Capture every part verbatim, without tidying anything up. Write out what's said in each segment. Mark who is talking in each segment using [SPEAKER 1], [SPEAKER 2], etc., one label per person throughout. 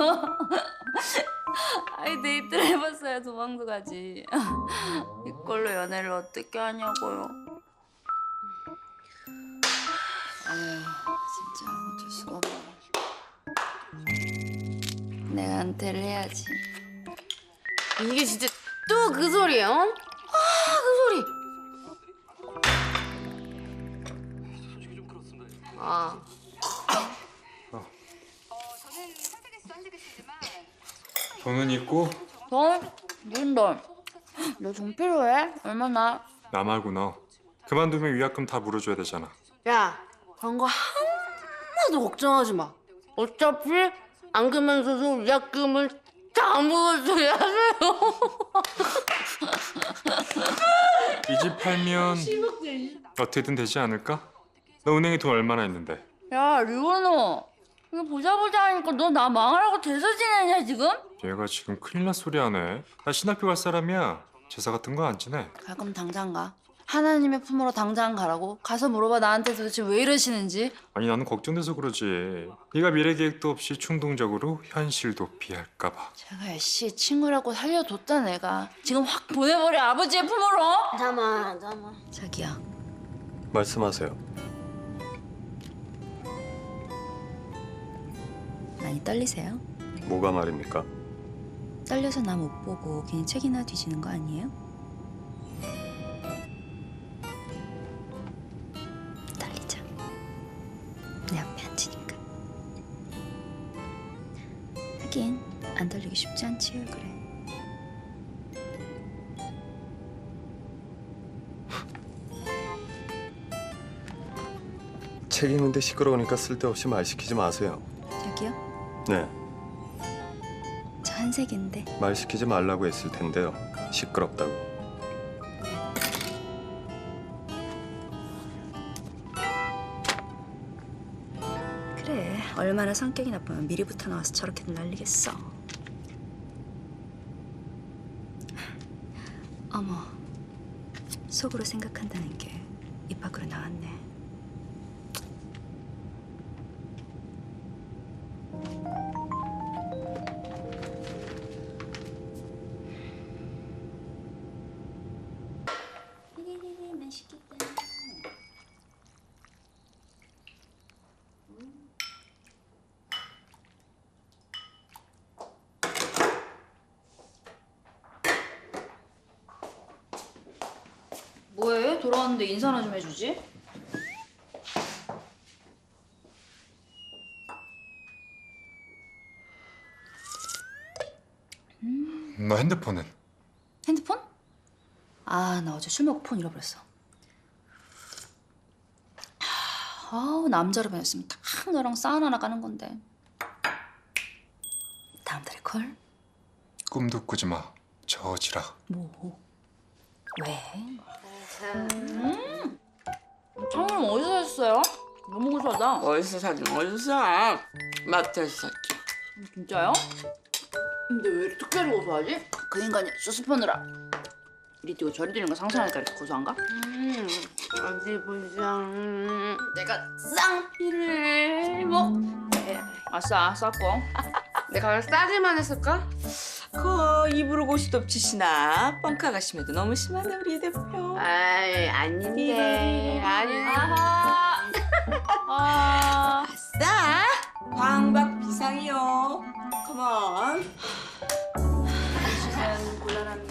[SPEAKER 1] 아이 데이트를 해봤어야 도망도 가지. 이걸로 연애를 어떻게 하냐고요. 아유 진짜 어쩔 수가 없네. 내가 은퇴를 해야지.
[SPEAKER 2] 이게 진짜 또 그 소리예요? 아, 그 소리. 아.
[SPEAKER 3] 돈은 있고
[SPEAKER 1] 돈? 무슨 돈? 너 돈 필요해? 얼마나?
[SPEAKER 3] 나 말고 너 그만두면 위약금 다 물어줘야 되잖아.
[SPEAKER 2] 야, 그런 거 하나도 걱정하지 마. 어차피 안 그면서도 위약금을 다 물어줘야 해요.
[SPEAKER 3] 이 집 팔면 어떻게든 되지 않을까? 너 은행에 돈 얼마나 있는데?
[SPEAKER 1] 야 리원호 이거 보자 보자 하니까 너 나 망하라고 대서 지내냐 지금?
[SPEAKER 3] 얘가 지금 큰일 날 소리 하네. 나 신학교 갈 사람이야. 제사 같은 거 안 지내.
[SPEAKER 1] 갈 거면 당장 가. 하나님의 품으로 당장 가라고. 가서 물어봐 나한테 도대체 왜 이러시는지.
[SPEAKER 3] 아니 나는 걱정돼서 그러지. 네가 미래 계획도 없이 충동적으로 현실도 피할까 봐.
[SPEAKER 1] 제가 씨 친구라고 살려뒀다 내가. 지금 확 보내버려 아버지의 품으로.
[SPEAKER 2] 잠깐만, 잠깐만.
[SPEAKER 1] 자기야.
[SPEAKER 4] 말씀하세요.
[SPEAKER 1] 많이 떨리세요?
[SPEAKER 4] 뭐가 말입니까?
[SPEAKER 1] 떨려서 나 못 보고 괜히 책이나 뒤지는 거 아니에요? 떨리죠? 내 앞에 앉으니까. 하긴 안 떨리기 쉽지 않지요 그래.
[SPEAKER 4] 책 읽는데 시끄러우니까 쓸데없이 말 시키지 마세요.
[SPEAKER 1] 저기요?
[SPEAKER 4] 네,
[SPEAKER 1] 저 한색인데.
[SPEAKER 4] 말 시키지 말라고 했을 텐데요. 시끄럽다고.
[SPEAKER 1] 그래 얼마나 성격이 나쁘면 미리부터 나와서 저렇게들 날리겠어. 어머 속으로 생각한다는 게 입 밖으로 나왔네. 맛있겠다. 뭐해? 돌아왔는데 인사나 좀 해주지.
[SPEAKER 3] 너 핸드폰은?
[SPEAKER 1] 핸드폰? 아, 나 어제 술 먹고 폰 잃어버렸어. 아우, 남자로 변했으면 딱 너랑 싸움 하나 까는 건데. 다음 달에 콜?
[SPEAKER 3] 꿈도 꾸지 마. 저지라.
[SPEAKER 1] 뭐? 왜? 음! 장님 어디서 샀어요? 너무 고소하다.
[SPEAKER 5] 어디서 사긴 어디서 사? 마트에서 샀지.
[SPEAKER 1] 진짜요? 근데 왜 이렇게 특별히 고소하지? 그 인간이 수습하느라 이리 뛰고 저리 뛰는 거 상상하니까 이렇게 고소한가?
[SPEAKER 2] 음, 어디 보자. 음.
[SPEAKER 1] 내가 쌍피를 뭐 아싸 쌌고.
[SPEAKER 2] 내가 싸기만 했을까?
[SPEAKER 5] 그 입으로 고시도 없지시나 뻥카 가심에도 너무 심하네 우리 이 대표.
[SPEAKER 2] 아이, 아닌데. 아닌데.
[SPEAKER 1] 아하. 아.
[SPEAKER 5] 아싸 광박 비상이요. 컴온.
[SPEAKER 1] 주세요. 곤란한.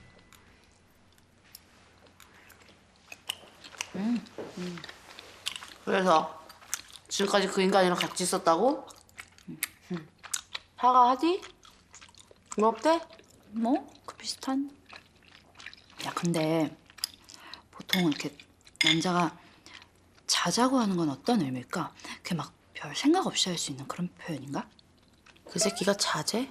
[SPEAKER 1] 음.
[SPEAKER 2] 음. 그래서 지금까지 그 인간이랑 같이 있었다고? 음. 사과하디? 뭐 어때?
[SPEAKER 1] 뭐? 그 비슷한. 야 근데 보통 이렇게 남자가 자자고 하는 건 어떤 의미일까? 그게 막 별 생각 없이 할 수 있는 그런 표현인가?
[SPEAKER 2] 그 새끼가 자제?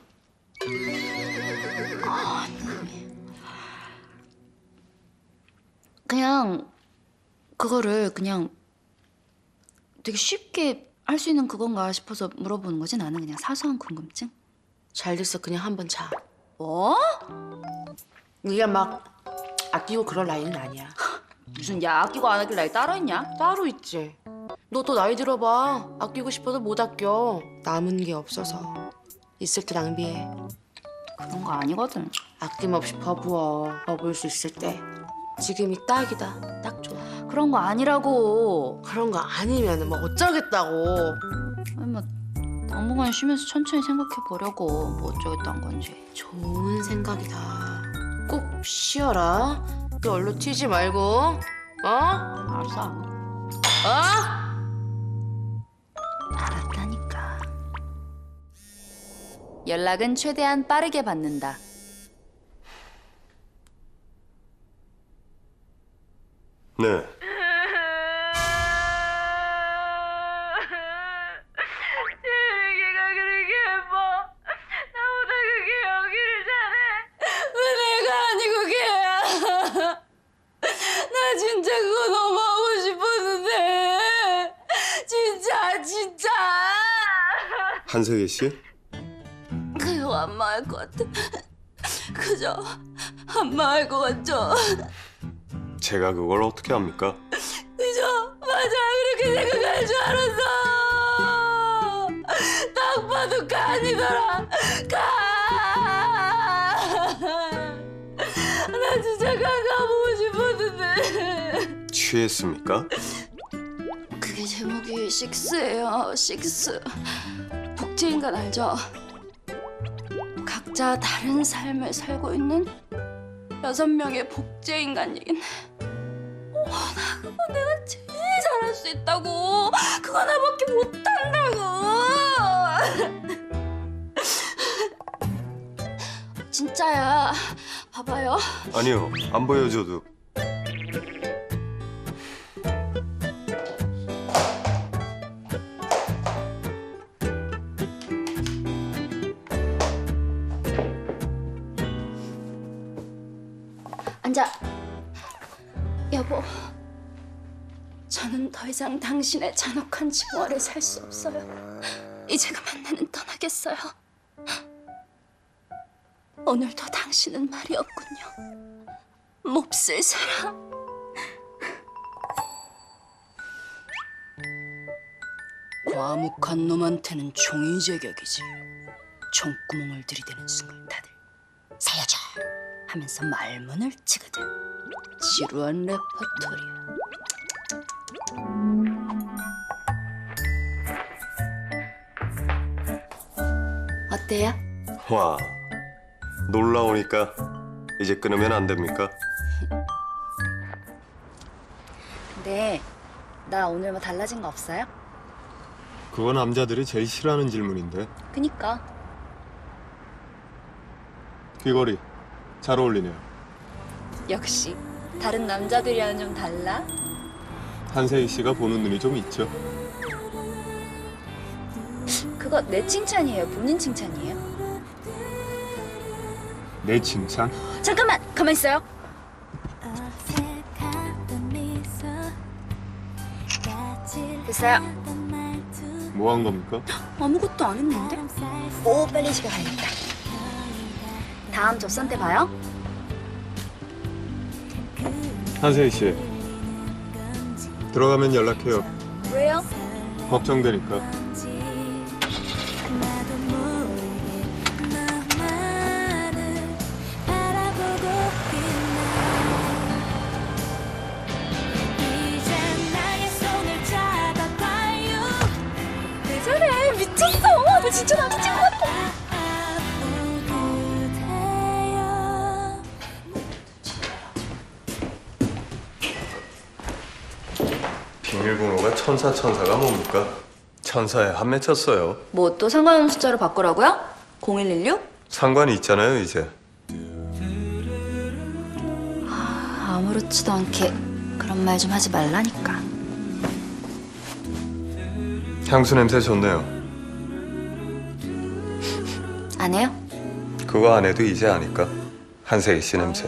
[SPEAKER 1] 그냥 그거를 그냥 되게 쉽게 할 수 있는 그건가 싶어서 물어보는 거지. 나는 그냥 사소한 궁금증.
[SPEAKER 2] 잘 됐어. 그냥 한번 자.
[SPEAKER 1] 뭐?
[SPEAKER 2] 네가 막 아끼고 그럴 나이는 아니야.
[SPEAKER 1] 무슨 야 아끼고 안 아낄 나이 따로 있냐?
[SPEAKER 2] 따로 있지. 너 또 나이 들어봐. 아끼고 싶어도 못 아껴. 남은 게 없어서. 있을 때 낭비해.
[SPEAKER 1] 그런 거 아니거든.
[SPEAKER 2] 아낌없이 버부어. 버부을 수 있을 때 지금이 딱이다. 딱 좋아.
[SPEAKER 1] 그런 거 아니라고.
[SPEAKER 2] 그런 거 아니면 뭐 어쩌겠다고.
[SPEAKER 1] 아니 뭐 당분간 쉬면서 천천히 생각해 보려고 뭐 어쩌겠다는 건지.
[SPEAKER 2] 좋은 생각이다. 꼭 쉬어라. 너 얼른 튀지 말고. 어?
[SPEAKER 1] 알았어.
[SPEAKER 2] 어?
[SPEAKER 1] 알았다니까. 연락은 최대한 빠르게 받는다.
[SPEAKER 4] 네.
[SPEAKER 2] 얘가 그렇게 예뻐. 나보다 그게 여기를 잘해. 왜 내가 아니고 걔야? 나 진짜 그거 너무 하고 싶었는데. 진짜 진짜.
[SPEAKER 4] 한세계 씨?
[SPEAKER 2] 그거 안 망할 것 같아. 그저 안 망할 것 같죠?
[SPEAKER 4] 제가 그걸 어떻게 합니까?
[SPEAKER 2] 그저 맞아 그렇게 생각할 줄 알았어. 딱 봐도 간이더라. 간. 나 진짜 간 가보고 싶었는데.
[SPEAKER 4] 취했습니까?
[SPEAKER 1] 그게 제목이 식스예요. 식스. 복제인간 알죠? 각자 다른 삶을 살고 있는 여섯 명의 복제인간 얘기는. 와, 나 그거 내가 제일 잘할 수 있다고. 그거 나밖에 못한다고. 진짜야. 봐봐요.
[SPEAKER 4] 아니요, 안 보여줘도.
[SPEAKER 1] 앉아. 여보, 저는 더 이상 당신의 잔혹한 증오를 살 수 없어요. 이제 그만 나는 떠나겠어요. 오늘도 당신은 말이 없군요. 몹쓸 사람. 과묵한 놈한테는 총이 제격이지. 총구멍을 들이대는 순간 다들 살려줘 하면서 말문을 치거든. 지루한 레퍼토리야. 어때요?
[SPEAKER 4] 와, 놀라우니까 이제 끊으면 안 됩니까?
[SPEAKER 1] 근데 나 오늘 뭐 달라진 거 없어요?
[SPEAKER 4] 그거 남자들이 제일 싫어하는 질문인데.
[SPEAKER 1] 그니까.
[SPEAKER 4] 귀걸이 잘 어울리네요.
[SPEAKER 1] 역시 다른 남자들이랑은 좀 달라?
[SPEAKER 4] 한세희 씨가 보는 눈이 좀 있죠.
[SPEAKER 1] 그거 내 칭찬이에요? 본인 칭찬이에요?
[SPEAKER 4] 내 칭찬?
[SPEAKER 1] 잠깐만! 가만 있어요. 됐어요.
[SPEAKER 4] 뭐 한 겁니까?
[SPEAKER 1] 아무것도 안 했는데? 오, 빨리 집에 가야겠다. 다음 접선 때 봐요.
[SPEAKER 4] 한세희 씨, 들어가면 연락해요.
[SPEAKER 1] 왜요?
[SPEAKER 4] 걱정되니까.
[SPEAKER 1] 왜 저래? 미쳤어. 너 진짜 남자친구 같아.
[SPEAKER 4] 비밀번호가 천사 천사가 뭡니까? 천사에 한 맺혔어요.
[SPEAKER 1] 뭐 또 상관없는 숫자로 바꾸라고요? 공일일육?
[SPEAKER 4] 상관이 있잖아요, 이제.
[SPEAKER 1] 아무렇지도 않게 그런 말 좀 하지 말라니까.
[SPEAKER 4] 향수 냄새 좋네요.
[SPEAKER 1] 안 해요?
[SPEAKER 4] 그거 안 해도 이제 아니까. 한세희 씨 냄새.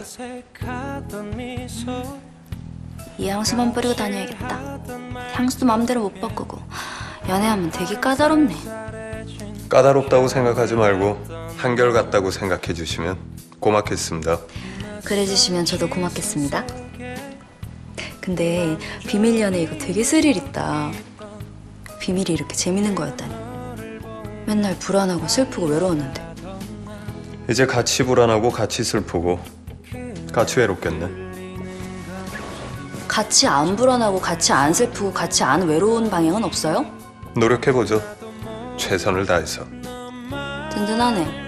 [SPEAKER 1] 이 향수만 뿌리고 다녀야겠다. 향수도 마음대로 못 바꾸고 연애하면 되게 까다롭네.
[SPEAKER 4] 까다롭다고 생각하지 말고 한결같다고 생각해 주시면 고맙겠습니다.
[SPEAKER 1] 그래 주시면 저도 고맙겠습니다. 근데 비밀 연애 이거 되게 스릴 있다. 비밀이 이렇게 재밌는 거였다니. 맨날 불안하고 슬프고 외로웠는데.
[SPEAKER 4] 이제 같이 불안하고 같이 슬프고 같이 외롭겠네.
[SPEAKER 1] 같이 안 불안하고 같이 안 슬프고 같이 안 외로운 방향은 없어요?
[SPEAKER 4] 노력해보죠. 최선을 다해서.
[SPEAKER 1] 든든하네.